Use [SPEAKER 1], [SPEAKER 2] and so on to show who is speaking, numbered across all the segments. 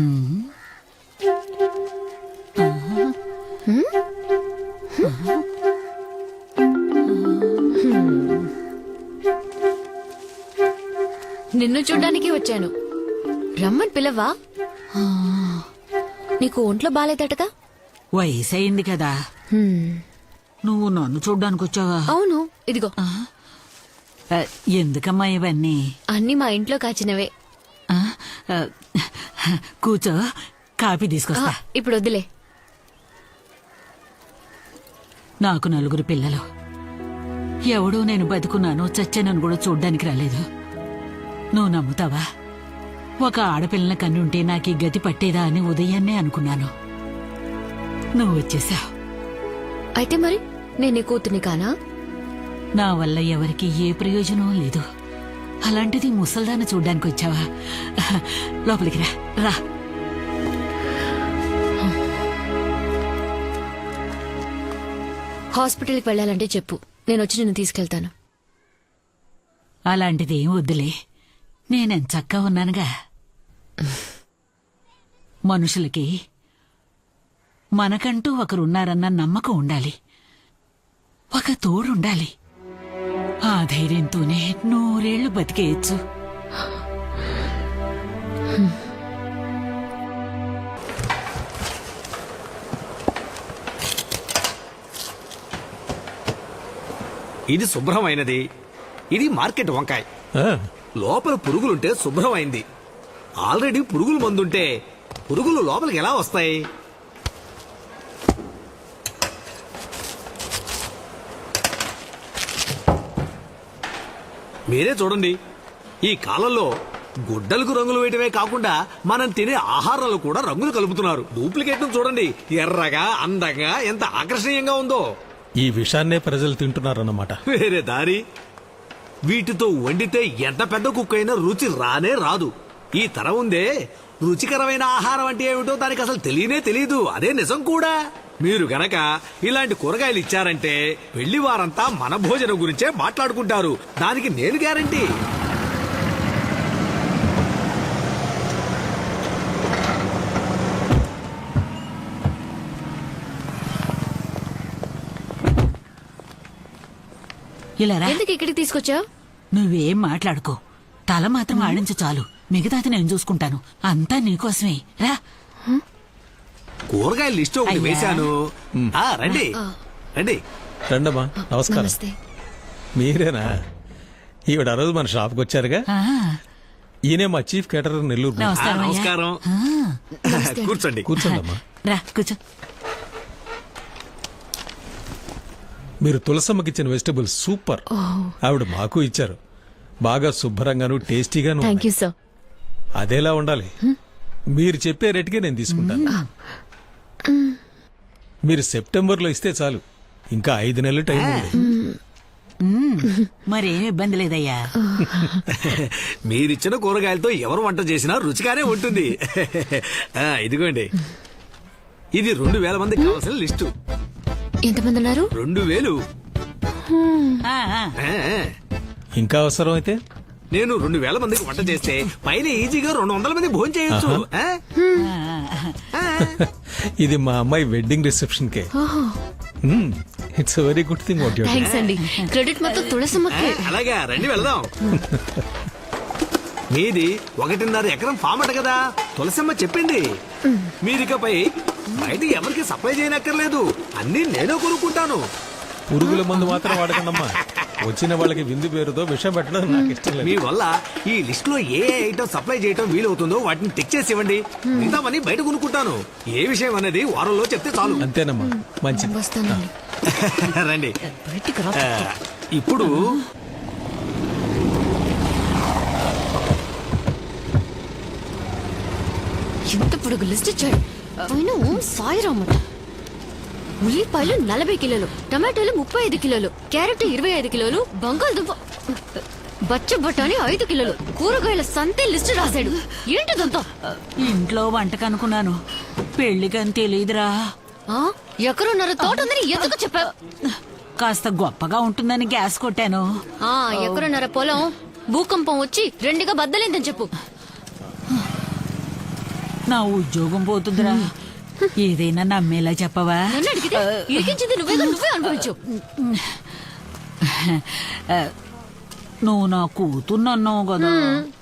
[SPEAKER 1] నిన్ను చూడ్డానికి వచ్చాను. రమ్మని పిలవా? నీకు ఒంట్లో బాలేదటగా?
[SPEAKER 2] వయసు అయింది కదా. నువ్వు నన్ను చూడ్డానికి వచ్చావా?
[SPEAKER 1] అవును, ఇదిగో.
[SPEAKER 2] ఎందుకమ్మా ఇవన్నీ?
[SPEAKER 1] అన్ని మా ఇంట్లో కాచినవే.
[SPEAKER 2] కూర్చో, కాఫీ తీసుకొస్తా.
[SPEAKER 1] ఇప్పుడు వద్దులే.
[SPEAKER 2] నాకు 4 పిల్లలు. ఎవడూ నేను బతుకున్నాను చచ్చానని కూడా చూడ్డానికి రాలేదు. నువ్వు నమ్ముతావా? ఒక ఆడపిల్లల కన్నుంటే నాకు ఈ గతి పట్టేదా అని ఉదయాన్నే అనుకున్నాను. నువ్వు వచ్చేసావు.
[SPEAKER 1] అయితే మరి నేనే కూతుని కానా?
[SPEAKER 2] నా వల్ల ఎవరికి ఏ ప్రయోజనం లేదు. అలాంటిది ముసల్దాన్ని చూడ్డానికి వచ్చావా? లోపలికి రా రా.
[SPEAKER 1] హాస్పిటల్కి వెళ్ళాలంటే చెప్పు, నేను వచ్చి నిన్ను తీసుకెళ్తాను.
[SPEAKER 2] అలాంటిది ఏం వద్దులే, నేనెంచక్కా ఉన్నానుగా. మనుషులకి మనకంటూ ఒకరున్నారన్న నమ్మకం ఉండాలి, ఒక తోడుండాలి. ఆ ధైర్యంతోనే 100 ఏళ్లు బతికేయచ్చు.
[SPEAKER 3] ఇది శుభ్రమైనది, ఇది మార్కెట్ వంకాయ. లోపల పురుగులుంటే శుభ్రమైంది. ఆల్రెడీ పురుగుల మందుంటే పురుగులు లోపలికి ఎలా వస్తాయి? మీరే చూడండి, ఈ కాలంలో గుడ్డలకు రంగులు వేయటమే కాకుండా మనం తినే ఆహారాలు కూడా రంగులు కలుపుతున్నారు. డూప్లికేట్ చూడండి, ఎర్రగా అందంగా ఎంత ఆకర్షణీయంగా ఉందో.
[SPEAKER 4] ఈ విషాన్నే ప్రజలు తింటున్నారన్నమాట.
[SPEAKER 3] వేరే దారి. వీటితో వండితే ఎంత పెద్ద కుక్ అయినా రుచి రానే రాదు. ఈ తరం ఉందే, రుచికరమైన ఆహారం అంటే ఏమిటో దానికి అసలు తెలియదు. అదే నిజం కూడా. మీరు గనక ఇలాంటి కూరగాయలు ఇచ్చారంటే వెళ్లి వారంతా మన భోజనం గురించే మాట్లాడుకుంటారు. దానికి నేను గ్యారంటీ.
[SPEAKER 1] ఎందుకు ఇక్కడికి తీసుకొచ్చావు?
[SPEAKER 2] నువ్వేం మాట్లాడుకో, తల మాత్రం ఆడించు చాలు. మిగతాది నేను చూసుకుంటాను. అంతా నీకోసమే. రా.
[SPEAKER 3] కూరగాయల లిస్ట్ ఒకటి వేశాను. రండి రండి.
[SPEAKER 4] రండమ్మా. నమస్కారం. మీరేనా? ఈవిడ ఆ రోజు మన షాప్కి వచ్చారుగా. ఈయనే మా చీఫ్ కేటరర్ నెల్లూరు.
[SPEAKER 3] నమస్కారం. కూర్చోండి.
[SPEAKER 4] కూర్చోండమ్మా.
[SPEAKER 2] రా కూర్చో.
[SPEAKER 4] మీరు తులసమ్మకి ఇచ్చిన వెజిటబుల్స్ సూపర్. ఆవిడ మాకు ఇచ్చారు. బాగా శుభ్రంగాను టేస్టీగాను.
[SPEAKER 1] Thank you sir.
[SPEAKER 4] అదేలా ఉండాలి. మీరు చెప్పే రేటుకే నేను తీసుకుంటాను. మీరు సెప్టెంబర్లో ఇస్తే చాలు. ఇంకా 5 నెలలు టైం ఉంది.
[SPEAKER 2] మరేం ఇబ్బంది లేదయ్యా.
[SPEAKER 3] మీరిచ్చిన కూరగాయలతో ఎవరు వంట చేసినా రుచిగానే ఉంటుంది. ఇదిగోండి, ఇది 2000 మందికి కావాల్సిన లిస్టు.
[SPEAKER 1] ఎంతమంది ఉన్నారు?
[SPEAKER 3] 2000.
[SPEAKER 4] ఇంకా అవసరం అయితే
[SPEAKER 3] నేను 2000 మందికి వంట చేస్తే పైన ఈజీగా 200 మంది భోజనం చేయొచ్చు.
[SPEAKER 4] ఇది మా అమ్మాయి వెడ్డింగ్ రిసెప్షన్ కే. It's very good thing. What you are.
[SPEAKER 1] Thanks అండి. క్రెడిట్ మొత్తం తులసమ్మకి.
[SPEAKER 3] అలాగా, రండి వెళదాం. మీది 1.5 ఎకరం ఫామ్ అట కదా, తులసమ్మ చెప్పింది. మీరికపై బయట ఎవరికి సప్లై చేయనక్కర్లేదు, అన్ని నేనే కొనుక్కుంటాను.
[SPEAKER 4] పురుగుల మందు మాత్రం వాడకండమ్మా. వచ్చిన వాళ్ళకి విందు పేరుతో విషం పెట్టడం నాకు ఇష్టం లేదు.
[SPEAKER 3] మీ వల్ల ఈ లిస్ట్ లో ఏ ఐటమ్ సప్లై చేయటం వీలవుతుందో వాటిని టిక్ చేసి ఇవ్వండి. మిగతామని బయట కొనుక్కుంటాను. ఏ విషయం అనేది వారంలో చెప్తే చాలు.
[SPEAKER 4] అంతేనమ్మా. మంచిది.
[SPEAKER 3] రండి. ఇప్పుడు
[SPEAKER 1] ఎంత పొడుగు లిస్ట్ ఇచ్చాడు. సాయిరామట. ఉల్లిపాయలు 40 కిలోలు, టమాటాలు 35 కిలోలు, క్యారెట్ 25 కిలోలు, బంగాళదుంప బచ్చ బఠానీ 5 కిలోలు, కూరగాయల సంతే లిస్టు రాశాడు. ఏంటిదంతా?
[SPEAKER 2] ఇంట్లో వంటకనుకున్నాను, పెళ్లికని తెలీదురా.
[SPEAKER 1] ఎకరున్నర తోట ఉందని ఎందుకు చెప్పావు?
[SPEAKER 2] కాస్త గొప్పగా ఉంటుందని గ్యాస్ కొట్టాను.
[SPEAKER 1] ఎకరున్నర పొలం భూకంపం వచ్చి 2గా బద్దలేందని చెప్పు.
[SPEAKER 2] నా ఉద్యోగం పోతుందిరా ఏదైనా నమ్మేలా చెప్పవా
[SPEAKER 1] నన్ను అడిగితే ఇరికించింది నువ్వే అనుభవించు.
[SPEAKER 2] నువ్వు నా కూతున్నన్నావు కదా.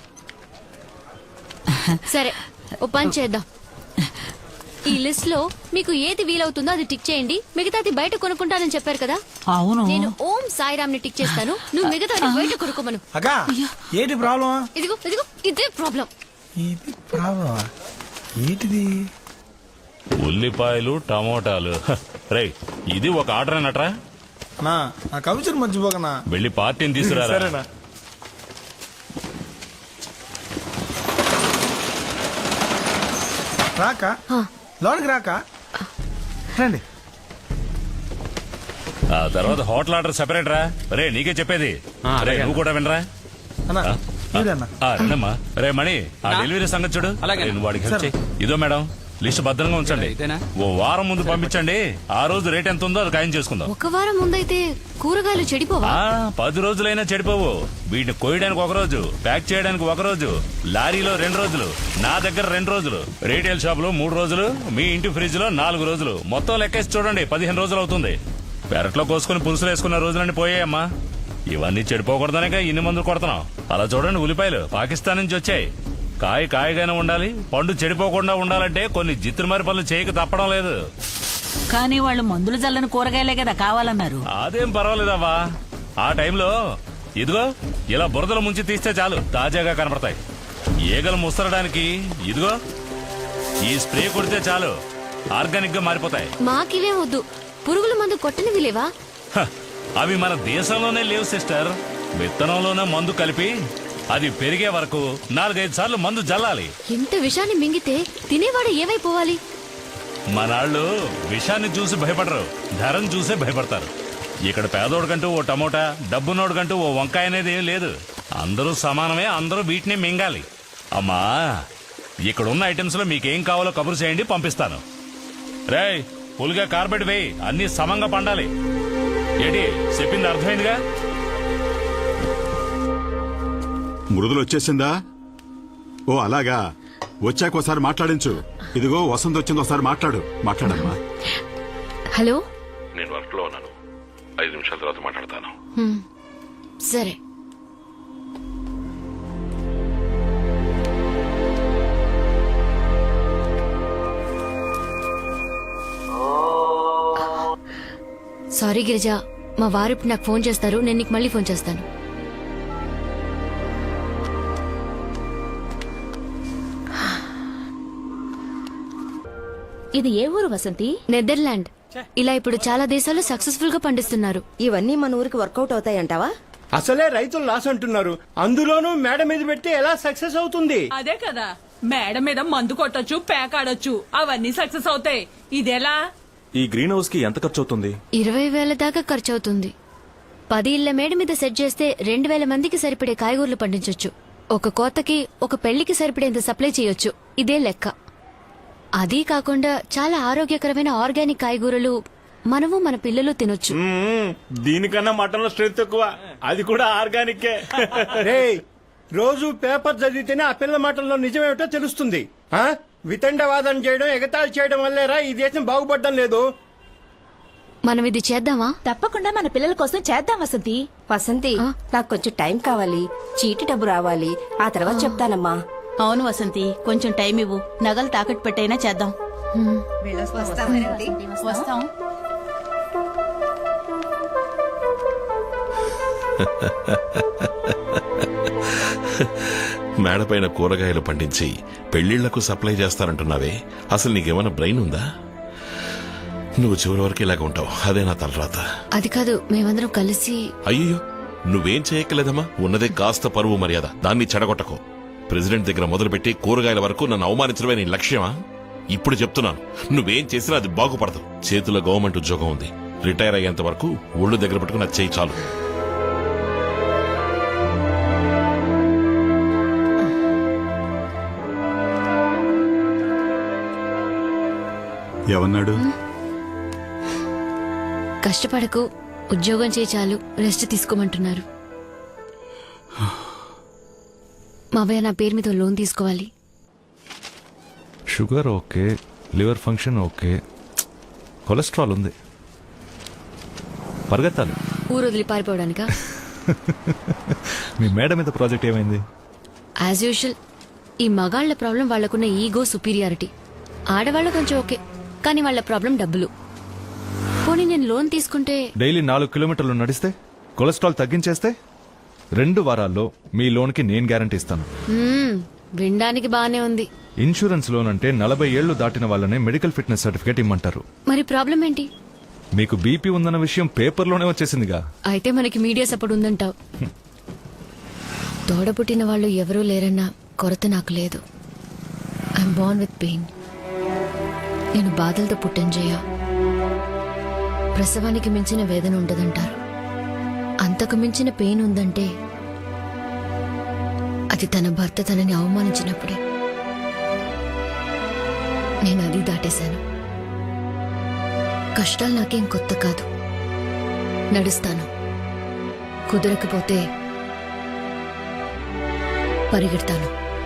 [SPEAKER 1] సరే ఓ పని చేద్దాం. ఈ లిస్ట్ లో మీకు ఏది వీలవుతుందో అది టిక్ చేయండి. మిగతాది బయట కొనుక్కుంటానని చెప్పారు కదా,
[SPEAKER 2] అవును
[SPEAKER 1] నేను ఓం సాయిరామ్ ని టిక్ చేస్తాను. నువ్వు మిగతాది బయట కొనుక్కోమను.
[SPEAKER 5] అగా ఏంటి ప్రాబ్లం?
[SPEAKER 1] ఇదిగో ఇదే ప్రాబ్లం.
[SPEAKER 5] ఇది ప్రాబ్లం ఏంటిది?
[SPEAKER 6] ఉల్లిపాయలు టమోటాలు రేయ్ ఇది ఒక ఆర్డర్ అన్నట్రా.
[SPEAKER 5] నా కమిషన్ మర్చిపోకనా.
[SPEAKER 6] వెళ్ళి పార్టీని తీసుకురారా.
[SPEAKER 5] సరేనా? రాక లోనికి రాక రండి.
[SPEAKER 6] ఆ తర్వాత హోటల్ ఆర్డర్ సెపరేట్ రా. రే నీకే చెప్పేది. రే నువ్వు కూడా వినరా.
[SPEAKER 5] అన్నా మీరన్నా
[SPEAKER 6] రండమ్మా. రే మణి ఆ డెలివరీ సంగతి చూడు. రే, నువ్వు వాడికి హెల్ప్ చెయ్. ఇదో మేడం లిస్ట్ భద్రంగా ఉంచండి. ఓ వారం ముందు పంపించండి. ఆ రోజు రేట్ ఎంత ఉందో అది ఖాయం చేసుకుందాం.
[SPEAKER 1] ఒక వారం ముందైతే కూరగాయలు చెడిపోవా?
[SPEAKER 6] 10 రోజులైనా చెడిపోవు. వీటిని కోయడానికి ఒక రోజు, ప్యాక్ చేయడానికి ఒక రోజు, లారీలో 2 రోజులు, నా దగ్గర 2 రోజులు, రీటైల్ షాప్ లో 3 రోజులు, మీ ఇంటి ఫ్రిడ్జ్ లో 4 రోజులు, మొత్తం లెక్కేసి చూడండి 15 రోజులు అవుతుంది. పెరట్లో కోసుకుని పులుసులు వేసుకున్న రోజులన్నీ పోయాయమ్మా. ఇవన్నీ చెడిపోకూడదనేగా ఇన్ని మందులు కొడుతున్నాం. అలా చూడండి ఉల్లిపాయలు పాకిస్తాన్ నుంచి వచ్చాయి. కాయగానే ఉండాలి, పండు చెడిపోకుండా ఉండాలంటే కొన్ని జిత్తుమారి పనులు చేయక తప్పడం లేదు.
[SPEAKER 2] కానీ వాళ్ళు మందులు జల్లని కూరగాయలే కదా కావాలన్నారు.
[SPEAKER 6] అదేం పర్వాలేదవ్వా. ఆ టైంలో ఇదిగో ఇలా బురదలు ముంచి తీస్తే చాలు తాజాగా కనపడతాయి. ఈగలు ముసరడానికి ఇదిగో ఈ స్ప్రే కొడితే చాలు ఆర్గానిక్ గా మారిపోతాయి.
[SPEAKER 1] మాకివే వద్దు. పురుగుల మందు కొట్టనివి లేవా?
[SPEAKER 6] హ, అవి మన దేశంలోనే లేవు సిస్టర్. విత్తనంలోనే మందు కలిపి అది పెరిగే వరకు 4-5 సార్లు మందు జల్లాలి.
[SPEAKER 1] ఇంత విషాన్ని మింగితే తినేవాడు ఏమైపోవాలి?
[SPEAKER 6] మనాళ్ళు విషాన్ని చూసి భయపడరు, ధరను చూసే భయపడతారు. ఇక్కడ పేదోడికంటూ ఓ టమోటా, డబ్బునోడికంటూ ఓ వంకాయ అనేది ఏం లేదు. అందరూ సమానమే, అందరూ వీటిని మింగాలి. అమ్మా ఇక్కడ ఉన్న ఐటమ్స్ లో మీకేం కావాలో కబురు చేయండి, పంపిస్తాను. రేయ్ పులిగా కార్బెట్ వేయి, అన్ని సమంగా పండాలి. ఏంటి చెప్పింది అర్థమైందిగా?
[SPEAKER 7] మృదులు వచ్చేసిందా? ఓ అలాగా, వచ్చాక ఒకసారి మాట్లాడించు. ఇదిగో వసంత్ వచ్చింది, ఒకసారి మాట్లాడమ్మా.
[SPEAKER 1] హలో,
[SPEAKER 8] నేను వర్క్ లో ఉన్నాను. 5 నిమిషాల తర్వాత మాట్లాడతాను.
[SPEAKER 1] సరే. సారీ గిరిజ, మా వారు ఇప్పుడు నాకు ఫోన్ చేస్తారు. నేను నీకు మళ్ళీ ఫోన్ చేస్తాను.
[SPEAKER 9] ఇది ఏ ఊరు వసంతి?
[SPEAKER 1] నెదర్లాండ్. ఇలా ఇప్పుడు చాలా దేశాలు సక్సెస్ఫుల్ గా పండిస్తున్నారు.
[SPEAKER 9] ఇవన్నీ మన ఊరికి వర్కౌట్ అవుతాయంటావా?
[SPEAKER 10] అసలే రైతులు లాస్ అంటున్నారు, అందులోనూ మేడ మీద పెడితే ఎలా సక్సెస్ అవుతుంది?
[SPEAKER 11] అదే కదా, మేడ మీద మందు కొట్టొచ్చు, పేకాడొచ్చు, అవన్నీ సక్సెస్ అవుతాయి. ఇదెలా?
[SPEAKER 12] ఈ గ్రీన్ హౌస్ కి ఎంత ఖర్చు అవుతుంది?
[SPEAKER 1] 20,000 దాకా ఖర్చు అవుతుంది. 10 ఇళ్ల మేడ మీద సెట్ చేస్తే 2,000 మందికి సరిపడే కాయగూరలు పండించొచ్చు. ఒక కోతకి, ఒక పెళ్లికి సరిపడేంత సప్లై చేయొచ్చు. ఇదే లెక్క. అదీ కాకుండా చాలా ఆరోగ్యకరమైన ఆర్గానిక్ కాయగూరలు మనము మన పిల్లలు తినొచ్చు.
[SPEAKER 10] దీనికన్నా మటన్ లో స్ట్రెంత్ ఎక్కువ, అది కూడా ఆర్గానిక్. రోజు పేపర్ చదివితేనే ఆ పిల్ల మాటల్లో నిజమేమిటో తెలుస్తుంది. వితండవాదం చేయడం, ఎగతాళి చేయడం వల్లేరా ఈ దేశం బాగుపడడం లేదు.
[SPEAKER 1] మనం ఇది చేద్దామా?
[SPEAKER 9] తప్పకుండా మన పిల్లల కోసం చేద్దాం వసంతి. వసంతి, నాకు కొంచెం టైం కావాలి. చీటి డబ్బు రావాలి, ఆ తర్వాత చెప్తానమ్మా. అవును వసంతి, కొంచెం టైం ఇవ్వు. నగలు తాకట్టు పెట్టైనా చేద్దాం. వస్తాం.
[SPEAKER 8] మేడపైన కూరగాయలు పండించి పెళ్లిళ్లకు సప్లై చేస్తారంటున్నావే, అసలు నీకేమైనా బ్రెయిన్ ఉందా? నువ్వు చివరి వరకు ఇలాగ ఉంటావు, అదే నా తలరాత.
[SPEAKER 1] అది కాదు, మేమందరం కలిసి.
[SPEAKER 8] అయ్యో నువ్వేం చేయక్కలేదమ్మా, ఉన్నదే కాస్త పరువు మర్యాద, దాన్ని చెడగొట్టకు. ప్రెసిడెంట్ దగ్గర మొదలుపెట్టి కూరగాయల వరకు నన్ను అవమానించడమే నీ లక్ష్యమా? ఇప్పుడు చెప్తున్నాను, నువ్వేం చేసినా అది బాగుపడదు. చేతిలో గవర్నమెంట్ ఉద్యోగం ఉంది, రిటైర్ అయ్యేంత వరకు ఒళ్ళు దగ్గర పెట్టుకుని అది చేయి చాలు.
[SPEAKER 7] ఏమన్నాడు?
[SPEAKER 1] కష్టపడకు, ఉద్యోగం చేయి చాలు, రెస్ట్ తీసుకోమంటున్నారు. మావయ్య నా పేరు మీద లోన్ తీసుకోవాలి.
[SPEAKER 12] Sugar okay, liver function okay, cholesterol ఉంది. పరిగెత్తాలి.
[SPEAKER 1] ఊరు వదిలి పారిపోవడానికా?
[SPEAKER 12] మీ మేడం మీద ప్రాజెక్ట్ ఏమైంది?
[SPEAKER 1] యాజ్ యూజువల్ ఈ మగాళ్ల ప్రాబ్లం వాళ్లకున్న ఈగో సుపీరియారిటీ. ఆడవాళ్ళ కొంచెం ఓకే, కానీ వాళ్ళ ప్రాబ్లం డబ్బులు. పోనీ నేను లోన్ తీసుకుంటే
[SPEAKER 12] డైలీ 4 కిలోమీటర్లు నడిస్తే, కొలెస్ట్రాల్ తగ్గించేస్తే 2 వారాల్లో మీ లోన్కి నేను గ్యారంటీ ఇస్తాను.
[SPEAKER 1] వినడానికి బానే ఉంది.
[SPEAKER 12] ఇన్సూరెన్స్ లోన్ అంటే 40 ఏళ్లు దాటిన వాళ్ళనే మెడికల్ ఫిట్నెస్ సర్టిఫికేట్ ఇమ్మంటారు.
[SPEAKER 1] మరి ప్రాబ్లం ఏంటి?
[SPEAKER 12] మీకు బీపీ ఉందన్న విషయం పేపర్లోనే వచ్చేసిందిగా.
[SPEAKER 1] అయితే మనకి మీడియా సపోర్ట్ ఉందంటావు. తోడపుట్టిన వాళ్ళు ఎవరూ లేరన్న కొరత నాకు లేదు. I'm born with pain. నేను బాధలతో పుట్టంజేయ. ప్రసవానికి మించిన వేదన ఉండదంటారు. అంతకు మించిన పెయిన్ ఉందంటే అది తన భర్త తనని అవమానించినప్పుడే. నేను అది దాటేశాను. కష్టాలు నాకేం కొత్త కాదు. నడుస్తాను. కుదరకపోతే పరిగెడతాను.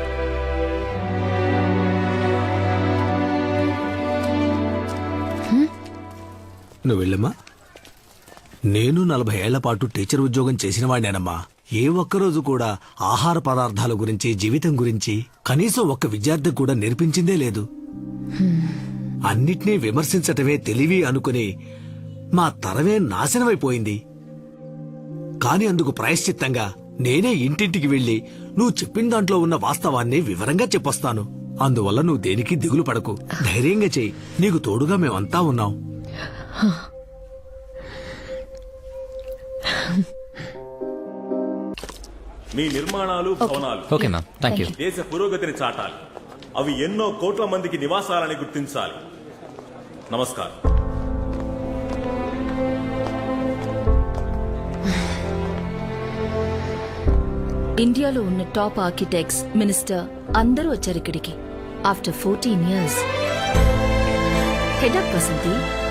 [SPEAKER 3] నువ్వు వెళ్ళమ్మా. నేను 40 ఏళ్ల పాటు టీచర్ ఉద్యోగం చేసిన వాడినేనమ్మా. ఏ ఒక్కరోజు కూడా ఆహార పదార్థాల గురించి, జీవితం గురించి కనీసం ఒక్క విద్యార్థి కూడా నేర్పించిందే లేదు. అన్నిటినీ విమర్శించటమే తెలివి అనుకుని మా తరమే నాశనమైపోయింది. కాని అందుకు ప్రాయశ్చిత్తంగా నేనే ఇంటింటికి వెళ్లి నువ్వు చెప్పిన దాంట్లో ఉన్న వాస్తవాన్ని వివరంగా చెప్పొస్తాను. అందువల్ల నువ్వు దేనికి దిగులు పడకు. ధైర్యంగా చెయ్యి. నీకు తోడుగా మేమంతా ఉన్నాం.
[SPEAKER 12] మీ నిర్మాణాలు, భవనాలు
[SPEAKER 4] ఓకే మ్యామ్, థ్యాంక్ యూ.
[SPEAKER 12] దేశ పురోగతిని చాటాలి. అవి ఎన్నో కోట్ల మందికి నివాసాలని గుర్తించాలి. నమస్కారం.
[SPEAKER 9] ఇండియాలో ఉన్న టాప్ ఆర్కిటెక్ట్స్, మినిస్టర్ అందరూ వచ్చారు ఇక్కడికి. After 14 years. Head up Vasanthi.